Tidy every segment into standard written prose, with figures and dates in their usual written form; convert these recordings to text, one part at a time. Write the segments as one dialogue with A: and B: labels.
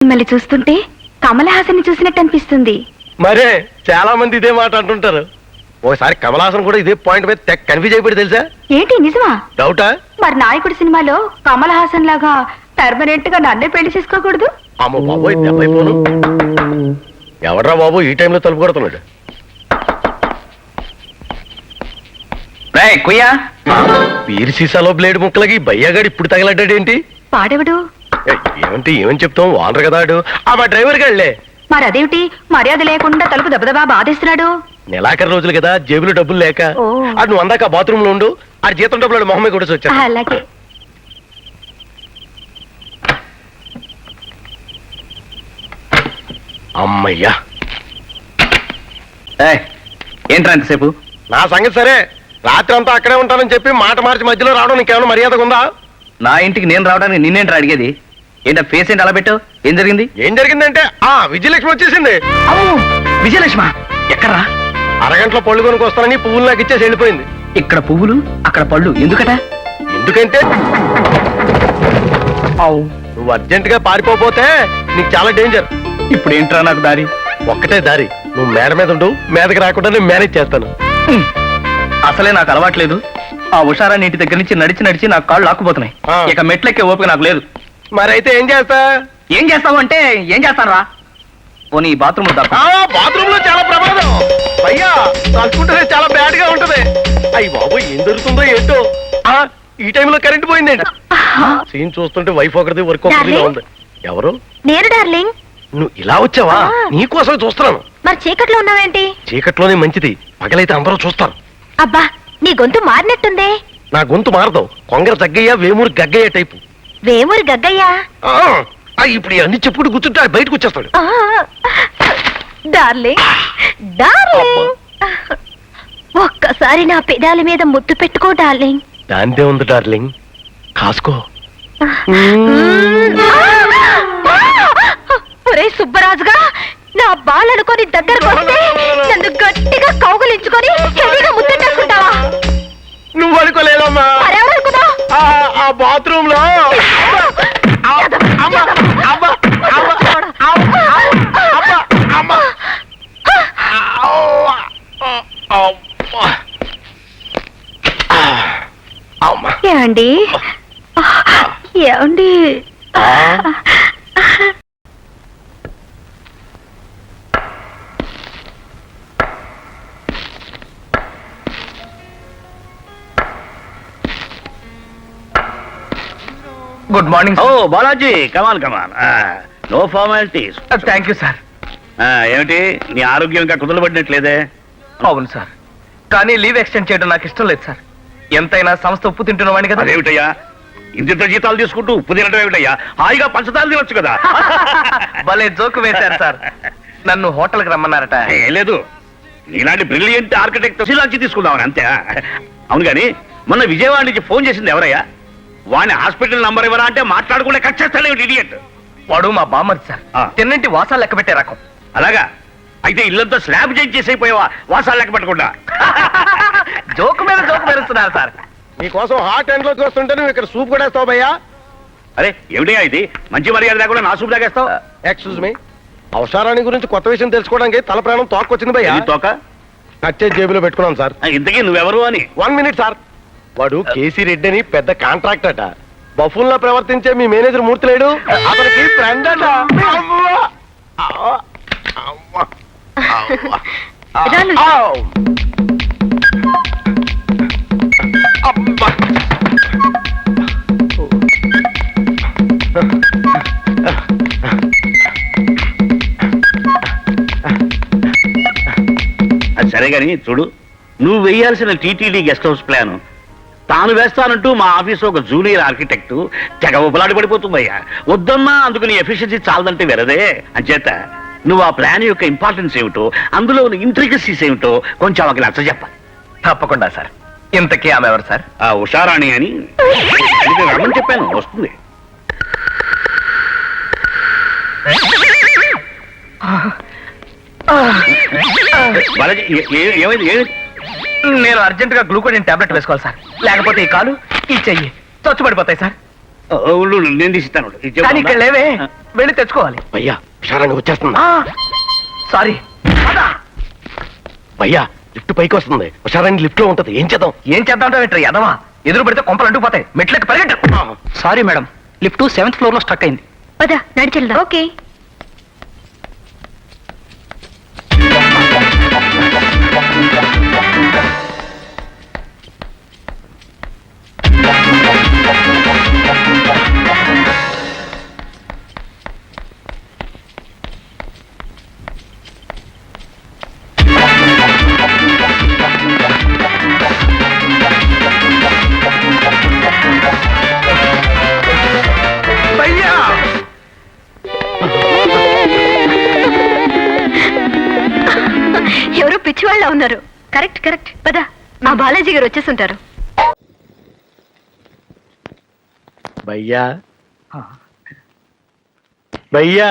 A: మిమ్మల్ని చూస్తుంటే కమల్ హాసన్ చూసినట్టు అనిపిస్తుంది.
B: మరే చాలా మంది ఇదే మాట అంటుంటారు. ఓసారి కమల్ హాసన్ కూడా ఇదే పాయింట్ మీద తెగ కన్ఫ్యూజ్ అయిపోయి తెలుసా?
A: ఏంటి నిజమా?
B: డౌటా?
A: మరి నాయకుడు సినిమాలో కమల్ హాసన్ లాగా పర్మనెంట్ గా నన్నే పెళ్లి చేసుకోకూడదు?
B: అమ్మ బాబోయ్, దెబ్బైపోను. ఎవడ్రా బాబు ఈ టైంలో తలుపు కొడుతున్నాడు? వీరి సీసాలో బ్లేడ్ ముక్కలకి బయ్యగాడు ఇప్పుడు తగలడ్డాడేంటి?
A: పాడెవడు?
B: ఏమంటే ఏమని చెప్తాం, వానరు కదా ఆడు. మా డ్రైవర్ గాళ్లే.
A: మరి అదేమిటి మర్యాద లేకుండా తలుపు దెబ్బదబా బాధేస్తున్నాడు?
B: నెలాఖరు రోజులు కదా, జేబులో డబ్బులు లేక. ఆడు నువ్వు అందాక బాత్రూమ్ లో ఉండు, ఆడు జీతం డబ్బులు మొహమ్మే కూడా వచ్చా.
A: అలాగే.
B: అమ్మయ్యా.
C: ఏంట్రా ఎంతసేపు?
B: నా సంగతి సరే, రాత్రి అంతా అక్కడే ఉంటానని చెప్పి మాట మార్చి మధ్యలో రావడం నీకేమైనా మర్యాదగా ఉందా?
C: నా ఇంటికి నేను రావడానికి నిన్నేంట్రా అడిగేది? ఏంటో ఫేస్ ఏంటి అలా పెట్టావు? ఏం జరిగింది?
B: ఏం జరిగిందంటే విజయలక్ష్మి వచ్చేసింది.
C: విజయలక్ష్మ ఎక్కడ్రా?
B: అరగంటలో పళ్ళు కొనుక్కు వస్తానని పువ్వులు నాకు ఇచ్చేసి వెళ్ళిపోయింది.
C: ఇక్కడ పువ్వులు అక్కడ పళ్ళు ఎందుకట?
B: ఎందుకంటే నువ్వు అర్జెంట్ గా పారిపోతే నీకు చాలా డేంజర్.
C: ఇప్పుడు ఏంట్రా నాకు దారి?
B: ఒక్కటే దారి, నువ్వు మేడ మీద ఉండు, మీదకి రాకుండా నేను మేనేజ్ చేస్తాను.
C: అసలే నాకు అలవాట్లేదు. ఆ ఉషారాన్ని ఇంటి దగ్గర నుంచి నడిచి నడిచి నాకు కాళ్ళు లాక్కుపోతున్నాయి. ఇక మెట్లెక్కే ఓపిక నాకు లేదు.
B: మరైతే ఏం చేస్తా?
C: ఏం చేస్తావు అంటే ఏం చేస్తాను రా. పోనీ బాత్రూమ్
B: బాత్రూమ్ లో చాలా ప్రమాదం అయ్యా, తలుచుకుంటే చాలా బ్యాడ్ గా ఉంటది. అయ్యి బాబు, ఏం జరుగుతుందో ఏంటో. ఈ టైంలో కరెంట్ పోయిందండి. సీన్ చూస్తుంటే వైఫ్ ఒకరిది వర్క్ ఒకరిదిగా ఉంది. ఎవరు?
A: నేను డార్లింగ్.
B: నువ్వు ఇలా వచ్చావా? నీకోసం చూస్తున్నాను.
A: మరి చీకట్లో ఉన్నావేంటి?
B: చీకట్లోనే మంచిది, పగలైతే అందరూ చూస్తారు.
A: అబ్బా, నీ గొంతు మారినట్టుందే.
B: నా గొంతు మారదు, కొంగర జగ్గయ్య వేమూరి గగ్గయ్య టైపు.
A: వేమూరి గగ్గయ్యా?
B: ఇప్పుడు అన్ని చెప్పుకుంటూ కూర్చుంటే బయటకు వచ్చేస్తాడు.
A: డార్లింగ్, డార్లింగ్, ఒక్కసారి నా పెదాల మీద ముద్దు పెట్టుకో డార్లింగ్.
B: దాందే ఉంది డార్లింగ్, కాసుకో.
A: ఒరే సుబ్బరాజుగా, నా బాలనుకొని దగ్గరకు వస్తే నన్ను గట్టిగా కౌగులించుకొని హెవీగా ముద్దెట్టేసుకుంటావా?
B: నువ్వు అనుకోలేదమ్మా.
A: మరెవరనుకున్నా?
B: ఆ బాత్రూమ్ లో
A: ఏమండి? ఏమండి?
C: Good morning.
D: ఓ Balaji, come on come on. No formalities.
C: Thank you sir.
D: ఏమిటి నీ ఆరోగ్యం ఇంకా కుదలబడినట్లేదే?
C: అవును సార్, కానీ లీవ్ ఎక్స్టెండ్ చేయడం నాకు ఇష్టం లేదు సార్. ఎంతైనా సంస్థ ఉప్పు తింటున్నవాడిని కదా.
D: అదేమిటయ్యా, ఇంత జీతాలు తీసుకుంటూ ఉప్పు తినడం ఏమిటయ్యా? హాయిగా పంచదార తినొచ్చు కదా.
C: భలే జోకు వేశారు సార్. నన్ను హోటల్కి రమ్మన్నారట.
D: ఏం లేదు, నీలాంటి బ్రిలియంట్ ఆర్కిటెక్ట్ శిలాంచి తీసుకుందామని అంతే. అవును కానీ మొన్న విజయవాడ నుంచి ఫోన్ చేసింది ఎవరయ్యా? వాడిని హాస్పిటల్ నంబర్ ఇవ్వరా అంటే మాట్లాడకుండా కట్ చేస్తాడు ఇడియట్.
C: వాడు మా బామ్మది సార్. తిన్నింటి వాసాలు లెక్క పెట్టే రకం.
D: అలాగా? అయితే ఇల్లంతా స్లాబ్ చేంజ్ చేసైపోయావా వాసాలు లెక్క పెట్టకుండా?
C: జోకు మీద జోకు మెరుస్తున్నారు సార్.
B: నీకోసం హాట్ ఎండ్ లోకి వస్తుంటే నువ్వు ఇక్కడ సూప్ కూడా వేస్తావు భయ్యా.
D: అరే ఏమిటయ్యా ఇది? మంచి మర్యాద లేకుండా నా సూప్ తాగేస్తావు?
B: ఎక్స్క్యూజ్ మీ, అవసరాన్ని గురించి కొత్త విషయం తెలుసుకోవడానికి తల ప్రాణం తోకొచ్చింది భయ్యా.
D: తోక
B: కచ్చే జేబులో పెట్టుకున్నాను సార్.
D: ఇంతకీ నువ్వెవరు అని?
B: 1 మినిట్ సార్. వాడు కేసీ రెడ్డి అని పెద్ద కాంట్రాక్ట్ అట. బఫూన్ లా ప్రవర్తించే మీ మేనేజర్ మూర్తి లేడు, అతనికి ఫ్రెండ్ అట.
D: అది సరే గాని చూడు, నువ్వు వేయాల్సిన టీటీడీ గెస్ట్ హౌస్ ప్లాన్ తాను వేస్తానంటూ మా ఆఫీస్ ఒక జూనియర్ ఆర్కిటెక్ట్ తెగ ఉపలాడి పడిపోతుందయ్యా. వద్దన్నా అందుకు నీ ఎఫిషియన్సీ చాలదంటే వెరదే. అంచేత నువ్వు ఆ ప్లాన్ యొక్క ఇంపార్టెన్స్ ఏమిటో, అందులో ఇంట్రికసీస్ ఏమిటో కొంచెం ఆమెకి నచ్చ చెప్పాలి.
C: తప్పకుండా సార్. ఇంతకీ ఆమె ఎవరు సార్?
D: ఆ ఉషారాణి అని రమ్మని చెప్పాను, వస్తుంది. ఏమైంది?
C: నేను అర్జెంట్ గా గ్లూకోడిన్ టాబ్లెట్ వేసుకోవాలి సార్, లేకపోతే ఈ కాలు ఈ చెయ్యి చచ్చుపడిపోతాయి సార్.
D: నేను తీసిస్తాను.
C: కానీ ఇక్కడ లేవే. వెళ్ళి తెచ్చుకోవాలి.
B: భయ్యా హుషారంగా వచ్చేస్తుంది.
C: సారీ.
B: భయ్యా లిఫ్ట్ పైకి వస్తుంది. హుషారాన్ని లిఫ్ట్ లో ఉంటది. ఏం చేద్దాం?
C: ఏం చేద్దాం ఏంట్రా ఎదవా? ఎదురు పెడితే కొంపలు అంటుకుపోతాయి. మెట్లకి పరిగెట్టు. Sorry madam, lift 7th floor లో స్టక్ అయింది.
A: పద నడిచెళ్దాం. ఓకే.
B: భయ్యా
A: ఎవరో పిచ్చివాళ్ళ ఉన్నారు. Correct correct. పద, ఆ బాలాజీ గారు వచ్చేస్తుంటారు.
B: భయ్యా భయ్యా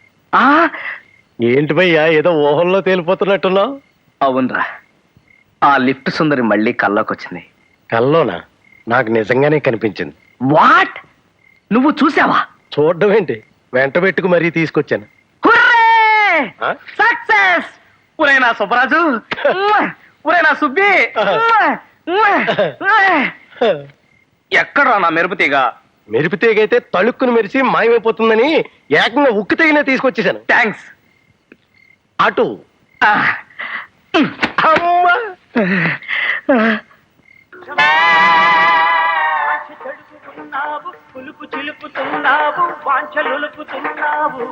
B: ఏంటి భయ్యా ఏదో ఊహల్లో తేలిపోతున్నట్టున్నావు?
C: అవునరా, ఆ లిఫ్ట్ సుందరి మళ్ళీ కల్లోకి వచ్చింది.
B: కల్లోనా? నాకు నిజంగానే కనిపించింది.
C: వాట్? నువ్వు చూసావా?
B: చూడడం ఏంటి, వెంట పెట్టుకు మరీ తీసుకొచ్చాను. ఆ?
C: సక్సెస్! ఒరే నా సుబ్బరాజు, ఒరే నా సుబ్బి, ఎక్కడా నా మెరుపుతీగ?
B: మెరుపుతీగైతే తళుక్కును మెరిసి మాయమైపోతుందని ఏకంగా ఉక్కు తెగిన తీసుకొచ్చేసాను.
C: థ్యాంక్స్.
B: అటు అమ్మా!
E: పులుపు చిలుపుతున్నావు, వాంఛలులుపుతున్నావు.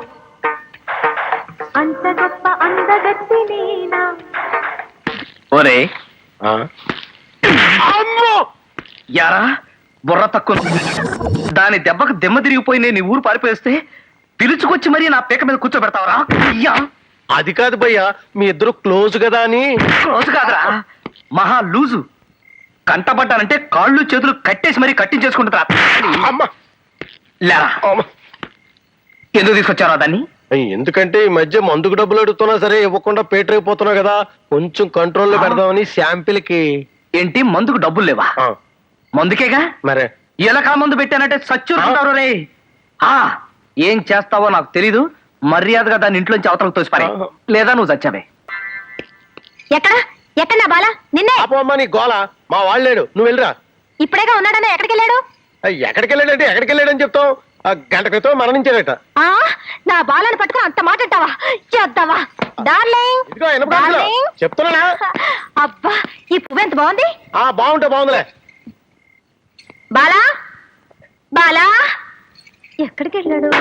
A: అంత గొప్ప అందగత్తి నేనా?
C: ఒరే
B: ఆ?
C: అమ్మో! యారా బుర్ర తక్కువ. దాని దెబ్బకు దెమ్మ తిరిగిపోయి నేను ఊరు పారిపోయేస్తే పిలుచుకొచ్చి మరీ నా పీక మీద కూర్చోబెడతావరా? అయ్యా,
B: అది కాదు భయ్యా, మీ ఇద్దరు క్లోజ్ కదా అని.
C: రోజు కాదురా, మహా లూజు. కంటపడ్డానంటే కాళ్ళు చేతులు కట్టేసి మరీ కట్టించేసుకుంటారా?
B: అమ్మా!
C: లేరా,
B: అమ్మా!
C: ఎందుకు తీసుకొచ్చారా దాన్ని?
B: ఎందుకంటే ఈ మధ్య మందుకు డబ్బులు అడుగుతున్నా సరే ఇవ్వకుండా పేటరైపోతున్నా కదా, కొంచెం కంట్రోల్లో పెడదామని శాంపిల్ కి.
C: ఏంటి, మందుకు డబ్బులు లేవా?
B: ఆ,
C: మందుకేగా.
B: మరే
C: ఎలకా మందు పెట్టానంటే సచ్చుంటారు రే. ఏం చేస్తావో నాకు తెలీదు. మర్యాదగా దాన్ని ఇంట్లోంచి అవతలకు తోసిపారే, లేదా నువ్వు చచ్చావే.
A: ఎక్కడ ఎక్కడ నా బాల? నిన్నే.
B: అమ్మా నీ గోల, మా వాళ్ళు లేడు, నువ్వు వెళ్ళరా.
A: ఇప్పుడేగా ఉన్నాడన్నా ఎక్కడికి వెళ్ళాడు?
B: ఎక్కడికి వెళ్ళాడంటే ఎక్కడికి వెళ్ళాడని చెప్తావు? ఆ గంట క్రితం మరణించాడట.
A: ఆ నా బాలను పట్టుకుని అంత మాట అంటావా? చేద్దావా డార్లింగ్?
B: ఇదిగో వినపడుతుందా?
A: డార్లింగ్.
B: చెప్తున్నానా?
A: అబ్బా, ఈ పువ్వు ఎంత బాగుంది.
B: ఆ బాగుంటే బాగుందిలే.
A: బాలా బాలా ఎక్కడికి వెళ్ళాడు?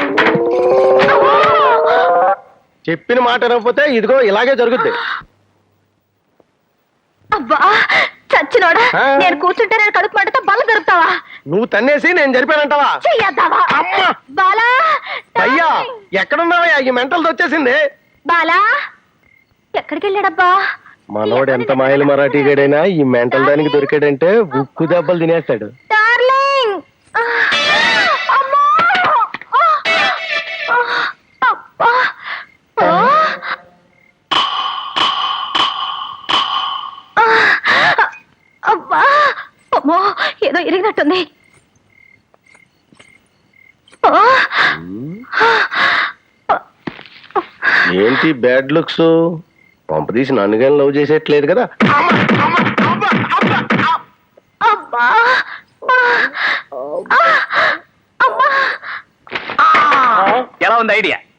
B: చెప్పిన మాట వినకపోతే ఇదిగో ఇలాగే జరుగుద్ది.
A: అబ్బా చచ్చినోడా,
B: ఆ.
A: నేను కూర్చుంటే నేను కడుపు మంటతో బల్ల దొరుకుతావా?
B: నువ్వు తన్నేసి నేను జరిపానంటావా?
A: చెయ్యద్దావా?
B: అమ్మా!
A: బాలా
B: అయ్యా
A: డార్లింగ్.
B: ఎక్కడున్నావా? ఈ మెంటల్ వచ్చేసింది.
A: బాలా ఎక్కడికి వెళ్ళాడబ్బా?
B: మనోడు ఎంత మాయలు మరాఠీ గడైనా ఈ మెంటల్ దానికి దొరికాడంటే ఉక్కు దెబ్బలు తినేస్తాడు.
A: డార్లింగ్. ఆ, అమ్మా! ఆ, ఆ, అబ్బా! ఆ, ఆ, అబ్బా! అమ్మో, ఏదో ఇరిగినట్టుంది. ఆ,
B: ఏంటి బ్యాడ్ లుక్స్? పంపదీసి నన్ను కానీ లవ్ చేసేట్లేదు కదా.
A: అబ్బా! ఆ, అమ్మా!
C: ఎలా ఉంది ఐడియా?